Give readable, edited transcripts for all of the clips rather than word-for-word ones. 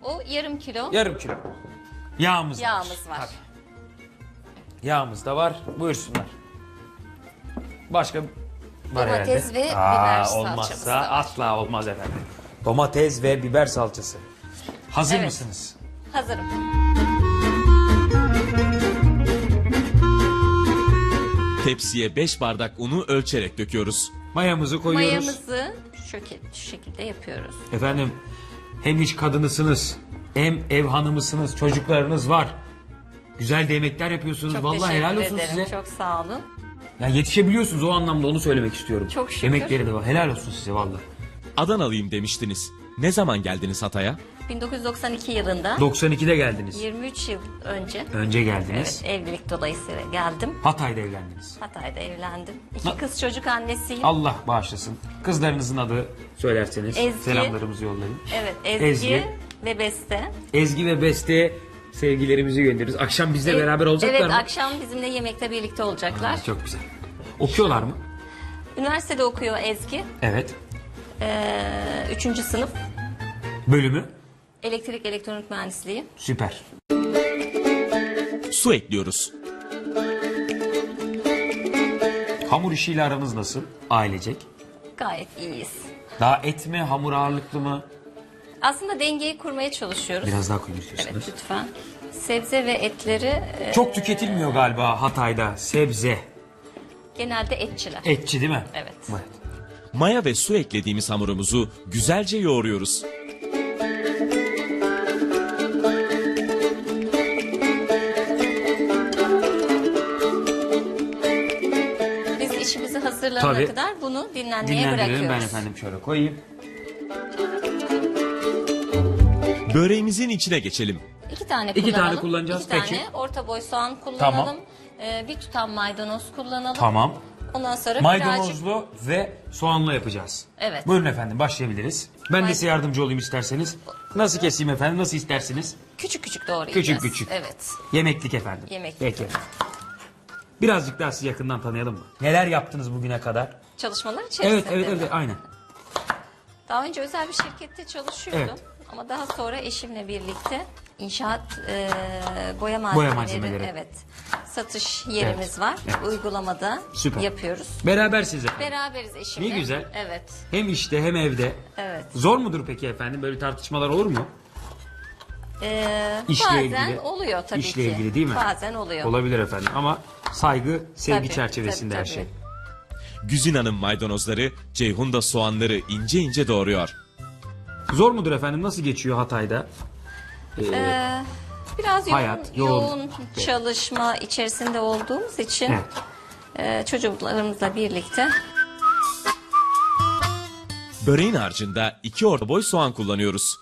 O yarım kilo. Yarım kilo. Yağımız var. var. Yağımız da var. Buyursunlar. Başka var Domates herhalde. ve biber salçamız Olmazsa da var. asla olmaz efendim. Domates ve biber salçası. Hazır Evet. mısınız? Hazırım. Tepsiye 5 bardak unu ölçerek döküyoruz. Mayamızı koyuyoruz. Mayamızı şu şekilde yapıyoruz. Efendim hem iş kadınısınız hem ev hanımısınız, çocuklarınız var. Güzel de yemekler yapıyorsunuz. Çok Vallahi teşekkür helal olsun ederim. size. Çok sağ olun. Ya yetişebiliyorsunuz, o anlamda onu söylemek istiyorum. Çok şükür. Yemekleri de var. Helal olsun size vallahi. Adanalıyım demiştiniz. Ne zaman geldiniz Hatay'a? 1992 yılında 92'de geldiniz. 23 yıl önce Önce geldiniz. evet, evlilik dolayısıyla geldim. Hatay'da evlendiniz. Hatay'da evlendim. İki kız çocuk annesiyim. Allah bağışlasın. Kızlarınızın adı söylerseniz Ezgi. selamlarımızı yollayın. Evet, Ezgi, Ezgi. ve Beste. Ezgi ve Beste'ye sevgilerimizi göndeririz. Akşam bizle beraber olacaklar Evet, mı? akşam bizimle yemekte birlikte olacaklar. Aa, çok güzel. Okuyorlar mı? Üniversitede okuyor Ezgi. Evet. 3. sınıf. Bölümü? Elektrik elektronik mühendisliği. Süper. Su ekliyoruz. Hamur işiyle aranız nasıl? Ailecek. Gayet iyiyiz. Daha et mi, hamur ağırlıklı mı? Aslında dengeyi kurmaya çalışıyoruz. Biraz daha koyun Evet, istiyorsanız. lütfen. Sebze ve etleri Çok tüketilmiyor galiba Hatay'da sebze. genelde etçiler. Etçi değil mi? Evet. Maya ve su eklediğimiz hamurumuzu güzelce yoğuruyoruz. Biz işimizi hazırlanana Tabii. kadar bunu dinlenmeye Dinlendirelim, bırakıyoruz. ben efendim şöyle koyayım. Böreğimizin içine geçelim. 2 tane İki kullanalım. tane kullanacağız, 2 tane peki. orta boy soğan kullanalım. Tamam. Bir tutam maydanoz kullanalım. Tamam. Ondan sonra birazcık Maydanozlu ve soğanlı yapacağız. Evet. Buyurun efendim, başlayabiliriz. Ben de size yardımcı olayım isterseniz. Nasıl keseyim efendim, nasıl istersiniz? küçük küçük doğrayacağız. Küçük küçük. Evet. Yemeklik efendim. Yemeklik. Peki. Birazcık daha sizi yakından tanıyalım mı? Neler yaptınız bugüne kadar? Çalışmalar içerisinde. Evet, aynen. Daha önce özel bir şirkette çalışıyordum. Evet. Ama daha sonra eşimle birlikte inşaat boya malzemeleri, malzemeleri. evet, satış yerimiz Evet. var. Evet. Uygulamada Süper. yapıyoruz. Berabersiniz efendim. Beraberiz eşimle. Ne güzel. Evet. Hem işte hem evde. Evet. Zor mudur peki efendim? Böyle tartışmalar olur mu? İşle Bazen ilgili. oluyor tabii İşle ki. ilgili değil mi? Bazen oluyor. Olabilir efendim ama saygı, sevgi Tabii, çerçevesinde her tabii, şey. Güzin Hanım maydanozları, Ceyhun da soğanları ince ince doğruyor. Zor mudur efendim? Nasıl geçiyor Hatay'da? Biraz Hayat, yoğun yoğun. çalışma içerisinde olduğumuz için Evet. çocuklarımızla birlikte Böreğin harcında 2 orta boy soğan kullanıyoruz.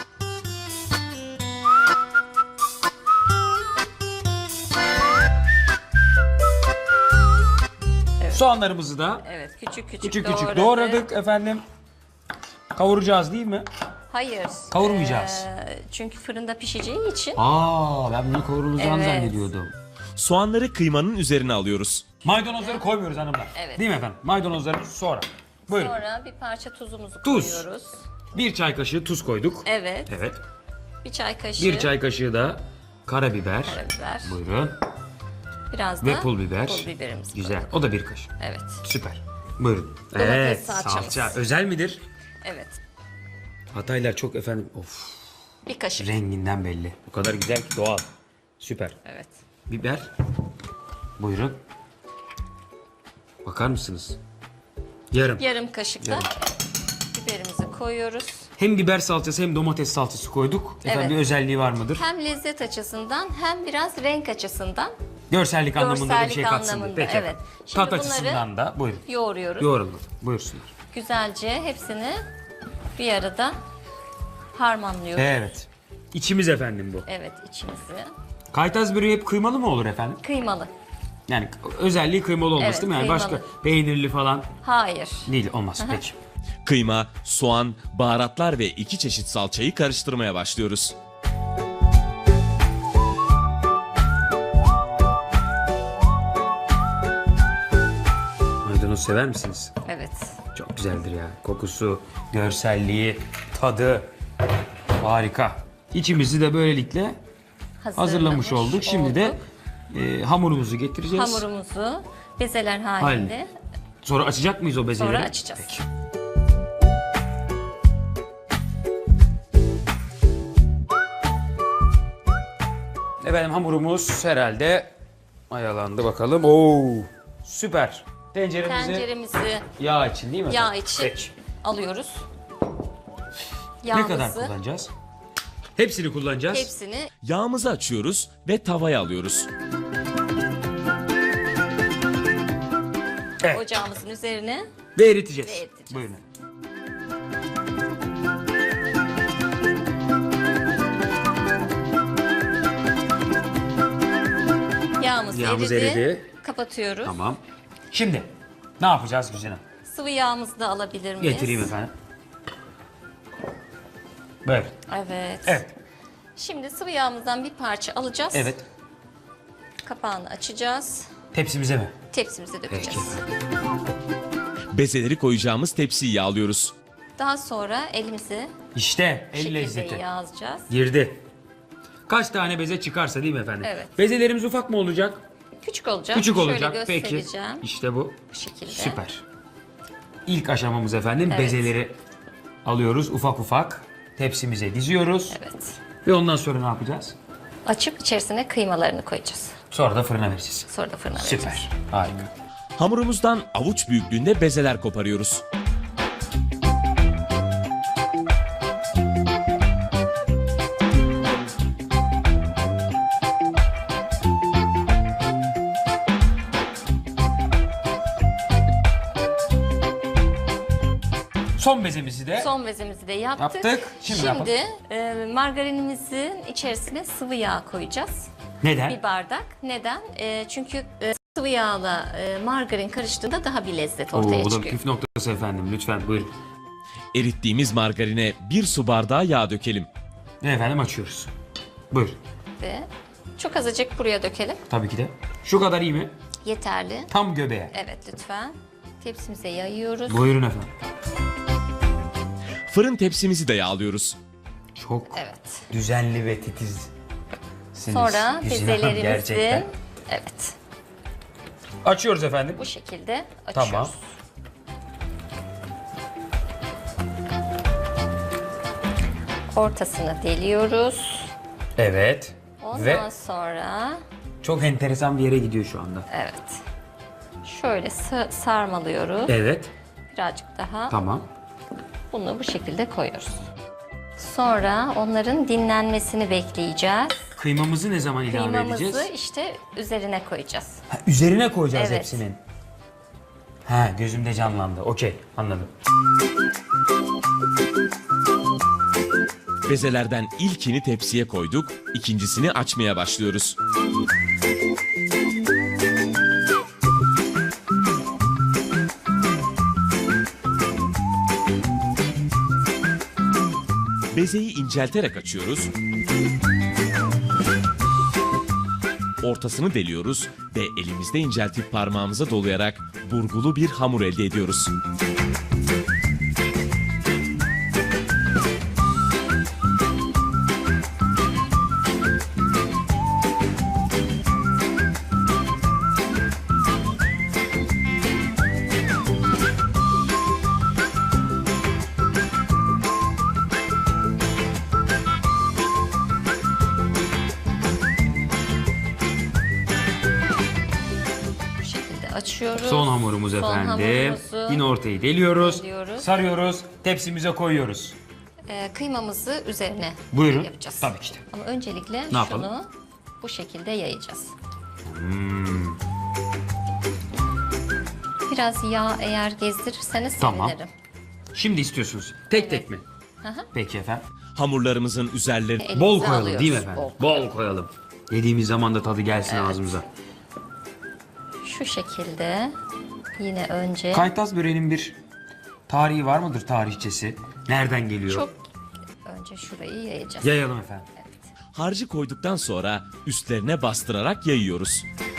Soğanlarımızı da evet küçük küçük, küçük küçük doğradık efendim. Kavuracağız değil mi? Hayır. Kavurmayacağız. Çünkü fırında pişeceği için Aa, ben bunu kavrulacağını Evet. zannediyordum. Soğanları kıymanın üzerine alıyoruz. Maydanozları koymuyoruz hanımlar. Evet. Değil mi efendim? Maydanozları sonra. Buyurun. sonra bir parça tuzumuzu Tuz. koyuyoruz. Bir çay kaşığı tuz koyduk. Evet. Evet. Bir çay kaşığı Bir çay kaşığı da karabiber. karabiber. Buyurun. Biraz Ve da pul biber. Pul biberimizi Güzel. koyduk. O da bir kaşık. Evet. Süper. Buyurun. Domates Evet, salçamız. salça. Özel midir? Evet. Hataylar çok efendim. Of. Bir kaşık. Renginden belli. O kadar güzel ki doğal. Süper. Evet. Biber. Buyurun. Bakar mısınız? Yarım. Yarım kaşık da Yarım. biberimizi koyuyoruz. Hem biber salçası hem domates salçası koyduk. Efendim Evet. bir özelliği var mıdır? Hem lezzet açısından hem biraz renk açısından Görsellik anlamında da bir görsellik şey katsın diye. anlamında, Peki. evet. Şimdi Tat bunları açısından da buyurun. yoğuruyoruz. Yoğrulun. Buyursunlar. Güzelce hepsini bir arada harmanlıyoruz. Evet. İçimiz efendim bu. Evet, içimizi. Kaytaz böreği hep kıymalı mı olur efendim? Kıymalı. Yani özelliği kıymalı olması Evet, değil mi? Yani kıymalı. başka peynirli falan Hayır. değil, olmaz. Peki. Kıyma, soğan, baharatlar ve 2 çeşit salçayı karıştırmaya başlıyoruz. Maydanoz sever misiniz? Evet. Çok güzeldir ya. Kokusu, görselliği, tadı harika. İçimizi de böylelikle hazırlamış olduk. Şimdi de olduk. hamurumuzu getireceğiz. Hamurumuzu bezeler halinde Sonra açacak mıyız o bezeleri? sonra açacağız. Peki. Efendim hamurumuz herhalde mayalandı bakalım. Oo, süper. Tenceremizi yağ için değil mi? yağ efendim? için Peki. alıyoruz. Ne Yağımızı, kadar kullanacağız? Hepsini kullanacağız. hepsini Yağımızı açıyoruz ve tavaya alıyoruz. Evet. ocağımızın üzerine Ve eriteceğiz. Ve eriteceğiz. Buyurun. yağımız eridi. Kapatıyoruz. Tamam. Şimdi ne yapacağız güzelim? Sıvı yağımızı da alabilir miyiz? Getireyim efendim. Böyle. Evet. Evet. Şimdi sıvı yağımızdan bir parça alacağız. Evet. Kapağını açacağız. Tepsimize mi? Tepsimize dökeceğiz. Bezeleri koyacağımız tepsiyi yağlıyoruz. Daha sonra elimizi İşte bu el şekilde lezzeti. yağlayacağız. Girdi. Kaç tane beze çıkarsa değil mi efendim? Evet. Bezelerimiz ufak mı olacak? Küçük olacak. Küçük Şöyle olacak. Peki. göstereceğim. İşte bu. Bu şekilde. Süper. İlk aşamamız efendim Evet. bezeleri alıyoruz ufak ufak. Tepsimize diziyoruz. Evet. Ve ondan sonra ne yapacağız? Açıp içerisine kıymalarını koyacağız. Sonra da fırına vereceğiz. Sonra da fırına vereceğiz. Süper. Harika. Hamurumuzdan avuç büyüklüğünde bezeler koparıyoruz. Son bezemizi de Son bezemizi de yaptık. Yaptık. Şimdi yapalım. Margarinimizin içerisine sıvı yağ koyacağız. neden? Bir bardak. Neden? Çünkü sıvı yağla margarin karıştığında daha bir lezzet ortaya Oo, bu da çıkıyor. püf noktası efendim. Lütfen buyurun. Erittiğimiz margarine 1 su bardağı yağ dökelim. Ne efendim açıyoruz. Buyurun. Ve çok azıcık buraya dökelim. Tabii ki de. Şu kadar iyi mi? Yeterli. Tam göbeğe. Evet lütfen. Tepsimize yayıyoruz. Buyurun efendim. Fırın tepsimizi de yağlıyoruz. Çok Evet. düzenli ve titiz. Sonra bezelerimizi gerçekten. evet Açıyoruz efendim. bu şekilde açıyoruz. Tamam. Ortasını deliyoruz. Evet. Ondan Ve sonra çok enteresan bir yere gidiyor şu anda. evet. Şöyle sarmalıyoruz. Evet. Birazcık daha. Tamam. Bunu bu şekilde koyuyoruz. Sonra onların dinlenmesini bekleyeceğiz. Kıymamızı ne zaman ilave Kıymamızı edeceğiz? işte üzerine koyacağız. Ha, üzerine koyacağız Evet. hepsinin. Ha, gözümde canlandı. Okey, anladım. Bezelerden ilkini tepsiye koyduk, ikincisini açmaya başlıyoruz. Bezeyi incelterek açıyoruz. Ortasını deliyoruz ve elimizde inceltip parmağımıza dolayarak burgulu bir hamur elde ediyoruz. Bu şekilde açıyoruz. Son hamurumuz Son efendim. hamurumuzu Yine ortayı deliyoruz. deliyoruz. Sarıyoruz. Tepsimize koyuyoruz. Kıymamızı üzerine Buyurun. yapacağız. Tabii ki de. Ama öncelikle Ne şunu yapalım? bu şekilde yayacağız. Biraz yağ eğer gezdirirseniz Tamam. sevinirim. Şimdi istiyorsunuz. Tek tek mi? Peki efendim. Hamurlarımızın üzerlerine Elimize Bol koyalım alıyoruz. değil mi efendim? Bol koyalım. Yediğimiz zaman da tadı gelsin ağzımıza. Şu şekilde yine önce Kaytaz böreğinin bir tarihi var mıdır, tarihçesi? Nereden geliyor? çok önce şurayı yayacağız. Yayalım efendim. harcı koyduktan sonra üstlerine bastırarak yayıyoruz.